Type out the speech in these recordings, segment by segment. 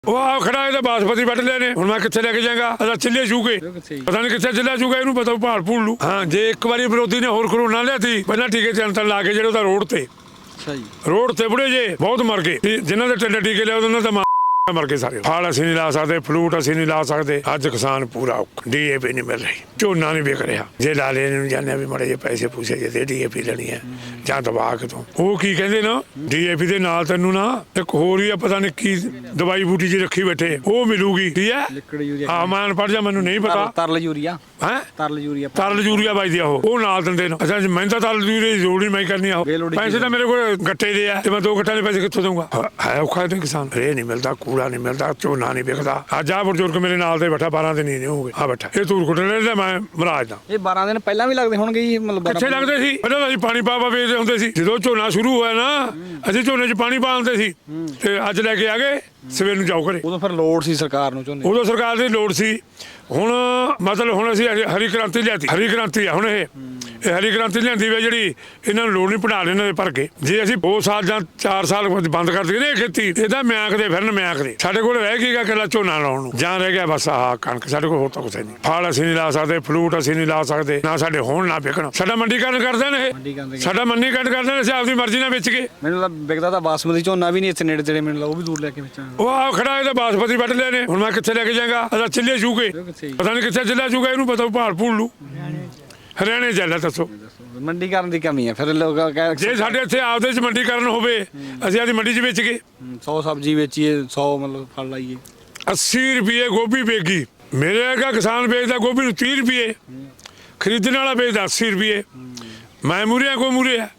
ਉਹ ਆ ਖੜਾ ਇਹਦਾ ਬਾਸਪਤੀ ਵੱਢ ਲਿਆ ਨੇ। ਹੁਣ ਮੈਂ ਕਿੱਥੇ ਲੈ ਕੇ ਜਾਵਾਂਗਾ? ਅਦਾ ਚੱਲੇ ਜੂਗੇ, ਪਤਾ ਨਹੀਂ ਕਿੱਥੇ ਚੱਲਿਆ ਜੂਗਾ, ਇਹਨੂੰ ਪਤਾ ਭਾਲ ਭੂਲ ਲੂ। ਹਾਂ, ਜੇ ਇੱਕ ਵਾਰੀ ਵਿਰੋਧੀ ਨੇ ਹੋਰ ਕਰੋਨਾ ਲਿਆਤੀ ਪਹਿਲਾਂ ਟੀਕੇ ਚੰਤਨ ਲਾ ਕੇ ਜਿਹੜੇ ਉਹਦਾ ਰੋਡ ਤੇ ਰੋਡ ਤੇ ਬੁੜੇ ਜੇ ਬਹੁਤ ਮਰ ਗਏ। ਜਿਨ੍ਹਾਂ ਦੇ ਟੰਡੇ ਟੀਕੇ ਲਿਆ ਉਹਨਾਂ ਦਾ ਮਰ ਗਏ ਸਾਰੇ। ਫਲ ਅਸੀਂ ਨਹੀਂ ਲਾ ਸਕਦੇ, ਫਲੂਟ ਅਸੀਂ ਨਹੀਂ ਲਾ ਸਕਦੇ। ਅੱਜ ਕਿਸਾਨ ਪੂਰਾ ਔਖਾ, DAP ਨਹੀਂ ਮਿਲ ਰਹੀ, ਝੋਨਾ ਨਹੀਂ ਵਿਕ ਰਿਹਾ। ਜੇ ਲਾਲੇ ਨੂੰ ਜਾਣਿਆ ਵੀ ਮੜੇ ਜੇ ਪੈਸੇ ਪੂਸੇ ਜੇ ਦੇ DAP ਲੈਣੀ ਹੈ ਜਾਂ ਦਵਾ ਕੇ ਤੋਂ ਉਹ ਕੀ ਕਹਿੰਦੇ ਨਾ DAP ਦੇ ਨਾਲ ਤੈਨੂੰ ਨਾ ਇੱਕ ਹੋਰ ਹੀ ਆ, ਪਤਾ ਨਹੀਂ ਕੀ ਦਵਾਈ ਬੂਟੀ ਜੀ ਰੱਖੀ ਬੈਠੇ, ਉਹ ਮਿਲੂਗੀ। ਕੀ ਹੈ? ਹਾਂ, ਮੈਂ ਅਨਪੜ੍ਹ ਜਾ, ਮੈਨੂੰ ਨਹੀਂ ਪਤਾ। ਤਰਲ ਯੂਰੀਆ ਹੈ, ਤਰਲ ਯੂਰੀਆ ਬਾਈ ਦਿਆ ਉਹ ਨਾਲ ਦਿੰਦੇ ਨੇ। ਅੱਛਾ, ਮੈਂ ਤਾਂ ਤਰਲ ਯੂਰੀਆ ਦੀ ਲੋੜ ਨਹੀਂ ਮੈਂ ਕਰਨੀ ਆ। ਪੈਸੇ ਤਾਂ ਮੇਰੇ ਕੋਲ ਗੱਟੇ ਦੇ ਆ ਤੇ ਮੈਂ 2 ਗੱਟਾਂ ਦੇ ਪੈਸੇ ਕਿੱਥੋਂ ਦਊਂਗਾ? ਹੈ ਔਖਾ ਤੇ ਕਿਸਾਨ। ਰੇ ਨਹੀਂ ਮਿਲਦਾ, ਕੂੜਾ ਨਹੀਂ ਮਿਲਦਾ, ਝੋਨਾ ਨਹੀਂ ਵਿਕਦਾ। ਅੱਜ ਆ ਬਜ਼ੁਰਗ ਮੇਰੇ ਨਾਲ ਦੇ ਬੈਠਾ 12 ਦਿਨ ਨਹੀਂ ਹੋ ਗਏ। ਆ ਬੈਠਾ ਇਹ ਧੂਰ ਕੁੱਟਣ ਲੈ, ਮੈਂ ਮਹਾਰਾਜ ਦਾ। ਇਹ 12 ਦਿਨ ਪਹਿਲਾਂ ਵੀ ਲੱਗਦੇ ਹੋਣਗੇ ਜੀ? ਮਤਲਬ ਕਿੱਥੇ ਲੱਗਦੇ ਸੀ? ਪਹਿਲਾਂ ਅਸੀਂ ਪਾਣੀ ਪਾ ਵੇਚਦੇ ਹੁੰਦੇ ਸੀ। ਜਦੋਂ ਝੋਨਾ ਸ਼ੁਰੂ ਹੋਇਆ ਨਾ ਅਸੀਂ ਝੋਨੇ 'ਚ ਪਾਣੀ ਪਾਉਂਦੇ ਸੀ ਤੇ ਅੱਜ ਲੈ ਕੇ ਆ ਗਏ ਸਵੇਰ ਨੂੰ ਜਾਓ ਘਰੇ। ਉਦੋਂ ਫਿਰ ਲੋੜ ਸੀ ਸਰਕਾਰ ਨੂੰ ਝੋਨੇ? ਉਦੋਂ ਸਰਕਾਰ ਦੀ ਲੋੜ ਸੀ। ਹੁਣ ਮਤਲਬ ਹੁਣ ਅਸੀਂ ਹਰੀ ਕ੍ਰਾਂਤੀ ਲਿਆਤੀ। ਹਰੀ ਕ੍ਰਾਂਤੀ ਆ ਹੁਣ ਇਹ ਹਰੀ ਕ੍ਰਾਂਤੀ ਲਿਆਂਦੀ ਵੇ ਜਿਹੜੀ ਇਹਨਾਂ ਨੂੰ ਲੋੜ ਨਹੀਂ ਪੜਾ ਲੈਣ ਦੇ ਭਰ ਕੇ। ਜੇ ਅਸੀਂ 2 ਸਾਲ ਜਾਂ 4 ਸਾਲ ਬੰਦ ਕਰ ਦਈਏ ਨਾ ਖੇਤੀ, ਇਹਦਾ ਮਿਆਂਕ ਦੇ ਫਿਰਨ ਮਿਆਂਕ ਦੇ। ਸਾਡੇ ਕੋਲ ਰਹਿ ਗਈਗਾ ਇਕੱਲਾ ਝੋਨਾ ਲਾਉਣ ਨੂੰ, ਜਾਂ ਰਹਿ ਗਿਆ ਬਸ ਆਹ ਕਣਕ। ਸਾਡੇ ਕੋਲ ਹੋਰ ਤਾਂ ਕੁਛ ਨਹੀਂ। ਫਲ ਅਸੀਂ ਨਹੀਂ ਲਾ ਸਕਦੇ, ਫਲੂਟ ਅਸੀਂ ਨਹੀਂ ਲਾ ਸਕਦੇ, ਨਾ ਸਾਡੇ ਹੋਣ ਨਾ ਵਿਕਣ। ਸਾਡਾ ਮੰਡੀਕਰਨ ਕਰਦੇ ਨੇ ਇਹ, ਸਾਡਾ ਮੰਡੀਕਰਨ ਕਰਦੇ ਨੇ। ਅਸੀਂ ਆਪਦੀ ਮਰਜ਼ੀ ਨਾਲ ਵੇਚ ਕੇ। ਮੈਨੂੰ ਵਿਕਦਾ ਤਾਂ ਬਾਸਮਤੀ ਝੋਨਾ ਵੀ ਨਹੀਂ ਇੱਥੇ ਨੇੜੇ ਤੇੜੇ, ਮੈਨੂੰ ਉਹ ਵੀ ਦੂਰ ਲੈ ਕੇ ਵੇਚਾਂਗੇ। ਉਹ ਆ ਖੜਾ ਇਹਦਾ ਬਾਸਪਤੀ ਵੱਢ ਲਿਆ ਨੇ। ਹੁਣ ਮੈਂ ਕਿੱਥੇ ਲੈ ਕੇ ਜਾਵਾਂਗਾ? ਅਦਾ ਚੱਲੇ ਜੂਗੇ, ਪਤਾ ਨਹੀਂ ਕਿੱਥੇ ਚੱਲਿਆ ਜੂਗਾ, ਇਹਨੂੰ ਪਤਾ ਭਾਲ ਭੂਲ ਲੂ। ਹਰਿਆਣੇ ਚੱਲਿਆ। ਦੱਸੋ, ਮੰਡੀਕਰਨ ਦੀ ਕਮੀ ਹੈ। ਫਿਰ ਲੋਕ ਜੇ ਸਾਡੇ ਇੱਥੇ ਆਪਦੇ ਚ ਮੰਡੀਕਰਨ ਹੋਵੇ, ਅਸੀਂ ਆਪਦੀ ਮੰਡੀ 'ਚ ਵੇਚ ਕੇ 100 ਸਬਜ਼ੀ ਵੇਚੀਏ, 100 ਮਤਲਬ ਫਲ ਲਾਈਏ। 80 ਰੁਪਏ ਗੋਭੀ ਵੇਚੀ। ਮੇਰੇ ਵਰਗਾ ਕਿਸਾਨ ਵੇਚਦਾ ਗੋਭੀ ਨੂੰ 30 ਰੁਪਏ, ਖਰੀਦਣ ਵਾਲਾ ਵੇਚਦਾ 80 ਰੁਪਏ। ਮੈਂ ਮੂਰੇ ਕੋ ਮੂਰੇ ਆ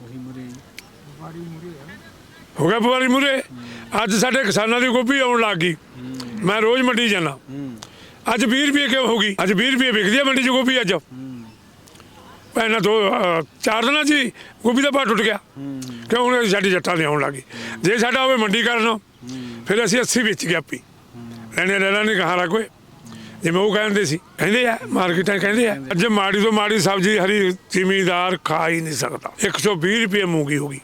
ਹੋ ਗਿਆ ਵਪਾਰੀ ਮੂਰੇ। ਅੱਜ ਸਾਡੇ ਕਿਸਾਨਾਂ ਦੀ ਗੋਭੀ ਆਉਣ ਲੱਗ ਗਈ। ਮੈਂ ਰੋਜ਼ ਮੰਡੀ ਜਾਣਾ। ਅੱਜ 20 ਰੁਪਏ ਕਿਉਂ ਹੋ ਗਈ? ਅੱਜ 20 ਰੁਪਏ ਵਿਕਦੀ ਆ ਮੰਡੀ 'ਚ ਗੋਭੀ। ਅੱਜ ਪਹਿਲਾਂ 2-4 ਦਿਨਾਂ 'ਚ ਹੀ ਗੋਭੀ ਦਾ ਭਾਅ ਟੁੱਟ ਗਿਆ। ਕਿਉਂ? ਹੁਣ ਸਾਡੀ ਜੱਟਾਂ ਦੀ ਆਉਣ ਲੱਗ ਗਈ। ਜੇ ਸਾਡਾ ਹੋਵੇ ਮੰਡੀਕਰਨ ਫਿਰ ਅਸੀਂ 80 ਵੇਚ ਗਏ ਆਪੀ। ਲੈਣੇ ਲੈ ਲੈਣੇ ਕਹਾਂ ਰਾ ਕੋਈ, ਜਿਵੇਂ ਉਹ ਕਹਿੰਦੇ ਆ ਮਾਰਕੀਟਾਂ ਕਹਿੰਦੇ ਆ। ਅੱਜ ਮਾੜੀ ਤੋਂ ਮਾੜੀ ਸਬਜ਼ੀ ਹਰੀ ਜ਼ਿਮੀਦਾਰ ਖਾ ਹੀ ਨਹੀਂ ਸਕਦਾ। 120 ਰੁਪਏ ਮੂੰਗੀ ਹੋ ਗਈ,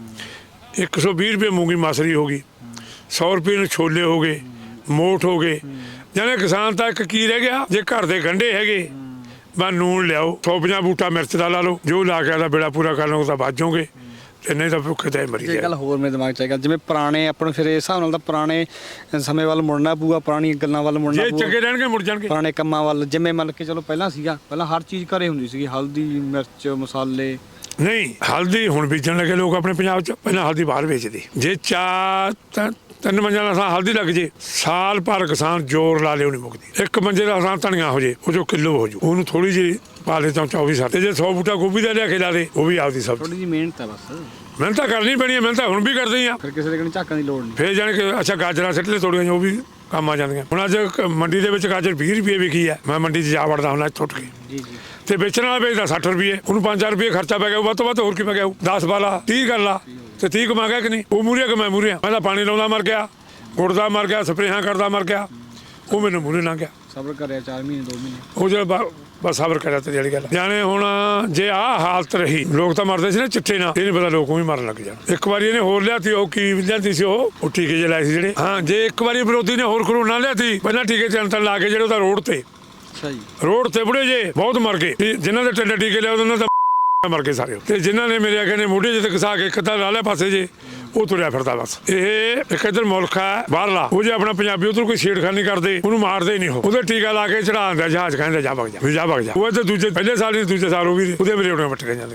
120 ਰੁਪਏ ਮੂੰਗੀ ਮਸਰੀ ਹੋ ਗਈ, 100 ਰੁਪਏ ਨੂੰ ਛੋਲੇ ਹੋ ਗਏ, ਮੋਠ ਹੋ ਗਏ। ਜਾਨੇ ਕਿਸਾਨ ਤਾਂ ਇੱਕ ਕੀ ਰਹਿ ਗਿਆ? ਜੇ ਘਰ ਦੇ ਗੰਢੇ ਹੈਗੇ ਬਸ ਨੂਣ ਲਿਆਓ, 150 ਬੂਟਾ ਮਿਰਚ ਦਾ ਲਾ ਲਓ, ਜੋ ਲਾ ਕੇ ਆਦਾ ਬੇੜਾ ਪੂਰਾ ਕਰ ਲਓ ਤਾਂ ਬਚ ਜਾਓਗੇ, ਤੇ ਨਹੀਂ ਤਾਂ ਭੁੱਖੇ ਤਾਂ ਮਰੀ ਜਾਏ। ਗੱਲ ਹੋਰ ਮੇਰੇ ਦਿਮਾਗ 'ਚ ਆਏਗਾ, ਜਿਵੇਂ ਪੁਰਾਣੇ ਆਪਾਂ ਨੂੰ ਫਿਰ ਇਸ ਹਿਸਾਬ ਨਾਲ ਤਾਂ ਪੁਰਾਣੇ ਸਮੇਂ ਵੱਲ ਮੁੜਨਾ ਪਊਗਾ, ਪੁਰਾਣੀਆਂ ਗੱਲਾਂ ਵੱਲ ਮੁੜਨਾ ਜੇ ਪਊਗਾ। ਚੰਗੇ ਰਹਿਣਗੇ ਮੁੜ ਜਾਣਗੇ। ਪੁਰਾਣੇ ਕੰਮਾਂ ਵੱਲ, ਜਿਵੇਂ ਮੰਨ ਕੇ ਚਲੋ ਪਹਿਲਾਂ ਸੀਗਾ, ਪਹਿਲਾਂ ਹਰ ਚੀਜ਼ ਘਰੇ ਹੁੰਦੀ ਸੀਗੀ, ਹਲਦੀ ਮਿਰਚ ਮਸਾਲੇ। ਨਹੀਂ, ਹਲਦੀ ਹੁਣ ਬੀਜਣ ਲੱਗੇ ਲੋਕ ਆਪਣੇ ਪੰਜਾਬ 'ਚ। ਪਹਿਲਾਂ ਹਲਦੀ ਬਾਹਰ ਵੇਚਦੇ। ਜੇ 3 ਮੰਜਿਆਂ ਦਾ ਥਾਂ ਹਲਦੀ ਲੱਗ ਜੇ, ਸਾਲ ਭਰ ਕਿਸਾਨ ਜ਼ੋਰ ਲਾ ਲਿਓ ਨਹੀਂ ਮੁੱਕਦੀ। 1 ਮੰਜੇ ਦਾ ਥਾਂ ਧਨੀਆ ਹੋ ਜੇ, ਉਹ ਜੋ ਕਿਲੋ ਹੋ ਜੂ, ਉਹਨੂੰ ਥੋੜੀ ਜਿਹੀ ਪਾ ਲੈ ਤਾਂ 24 ਸਾਲ। ਤੇ ਜੇ 100 ਬੂਟਾ ਗੋਭੀ ਦਾ ਲਿਆ ਕੇ ਲਾ ਦੇ, ਉਹ ਵੀ ਆਪਦੀ ਸਬਜ਼ੀ। ਥੋੜੀ ਜਿਹੀ ਮਿਹਨਤ ਹੈ ਬਸ। ਮਿਹਨਤ ਤਾਂ ਕਰਨੀ ਪੈਣੀ ਹੈ, ਮਿਹਨਤ ਤਾਂ ਹੁਣ ਵੀ ਕਰਦੇ ਆ। ਫਿਰ ਕਿਸੇ ਦੇ ਕੋਲ ਝਾਕਣ ਦੀ ਲੋੜ ਨਹੀਂ। ਫਿਰ ਜਾਣ ਕੇ ਅੱਛਾ ਗਾਜਰਾਂ ਸਿੱਟ ਲੈ ਥੋੜੀਆਂ, ਉਹ ਵੀ ਕੰਮ ਆ ਜਾਂਦੀਆਂ। ਹੁਣ ਅੱਜ ਮੰਡੀ ਦੇ ਵਿੱਚ ਗਾਜਰ 20 ਰੁਪਏ ਵਿਕੀ ਹੈ। ਮੈਂ ਮੰਡੀ 'ਚ ਜਾ ਵੜਦਾ ਹੁੰਦਾ ਟੁੱਟ ਕੇ। ਜੀ ਜੀ। ਤੇ ਵੇਚਣ ਵਾਲਾ ਵੇਚਦਾ 60 ਰੁਪਏ, ਉਹਨੂੰ 5-4 ਰੁਪਏ ਖਰਚਾ ਪੈ ਗਿਆ। ਵੱਧ ਤੋਂ ਵੱਧ ਹੋਰ ਕੀ ਪੈ ਗਿਆ? 10 ਵਾਲਾ 30 ਕਰ ਲਾ ਤੇ 30 ਕਮਾ ਗਿਆ ਕਿ ਨਹੀਂ? ਉਹ ਮੂਹਰੇ ਕਿ ਮੈਂ ਮੂਹਰੇ ਆ? ਮੈਂ ਤਾਂ ਪਾਣੀ ਲਾਉਂਦਾ ਮਰ ਗਿਆ, ਗੁੜਦਾ ਮਰ ਗਿਆ, ਸਪਰੇਹਾਂ ਕਰਦਾ ਮਰ ਗਿਆ। ਉਹ ਮੈਨੂੰ ਮੂਹਰੇ ਲੰਘ ਗਿਆ। ਸਬਰ ਕਰਿਆ 4 ਮਹੀਨੇ 2 ਮਹੀਨੇ। ਉਹ ਜਿਹੜਾ ਬਸ ਸਬਰ ਕਰਿਆ ਤੇ ਜਿਹੜੀ ਗੱਲ ਜਾਣੇ। ਹੁਣ ਜੇ ਆਹ ਹਾਲਤ ਰਹੀ, ਲੋਕ ਤਾਂ ਮਰਦੇ ਸੀ ਨਾ ਚਿੱਟੇ ਨਾਲ, ਇਹ ਨਹੀਂ ਪਤਾ ਲੋਕ ਵੀ ਮਰਨ ਲੱਗ ਜਾਣ। ਇੱਕ ਵਾਰੀ ਇਹਨੇ ਹੋਰ ਲਿਆਤੀ, ਉਹ ਕੀ ਲਿਆਤੀ ਸੀ? ਉਹ ਟੀਕੇ ਜੇ ਲਾਏ ਸੀ ਜਿਹੜੇ। ਹਾਂ, ਜੇ ਇੱਕ ਵਾਰੀ ਵਿਰੋਧੀ ਨੇ ਹੋਰ ਕਰੋਨਾ ਲਿਆਤੀ ਪਹਿਲਾਂ ਟੀਕੇ ਚੰਤਨ ਲਾ ਕੇ ਜਿਹੜੇ ਉਹਦਾ ਰੋਡ ਤੇ ਰੋਡ ਤੇ ਬੁੜੇ ਜੇ ਬਹੁਤ ਮਰ ਗਏ। ਜਿਨ੍ਹਾਂ ਦੇ ਟੰਡੇ ਟੀਕੇ ਲਿਆ ਉਹਨਾਂ ਦਾ ਮਰ ਗਏ ਸਾਰੇ। ਤੇ ਜਿਨ੍ਹਾਂ ਨੇ ਮੇਰੇ ਆਖੇ ਨੇ ਮੋਢੇ ਜਿੱਤੇ ਘਸਾ ਕੇ ਕਿੱਦਾਂ ਲਾ ਲਿਆ ਪਾਸੇ ਜੇ, ਉਹ ਤੁਰਿਆ ਫਿਰਦਾ ਬਸ। ਇਹ ਇੱਕ ਇੱਧਰ ਮੁਲਕ ਹੈ ਬਾਹਰਲਾ, ਉਹ ਜੇ ਆਪਣਾ ਪੰਜਾਬੀ ਉਧਰ ਕੋਈ ਛੇੜਖਾਨੀ ਕਰਦੇ ਉਹਨੂੰ ਮਾਰਦੇ ਨਹੀਂ। ਉਹਦੇ ਟੀਕਾ ਲਾ ਕੇ ਚੜਾ ਦਿੰਦਾ ਜਹਾਜ਼, ਕਹਿੰਦਾ ਜਾ ਵਗ ਜਾ, ਜਾ ਵਗ ਜਾ। ਉਹ ਇੱਧਰ ਦੂਜੇ ਪਹਿਲੇ ਸਾਲ ਨਹੀਂ ਦੂਜੇ ਸਾਲ ਉਹ ਵੀ ਉਹਦੇ ਮੇਰੇ ਵੱਟ ਕੇ ਜਾਂਦੇ।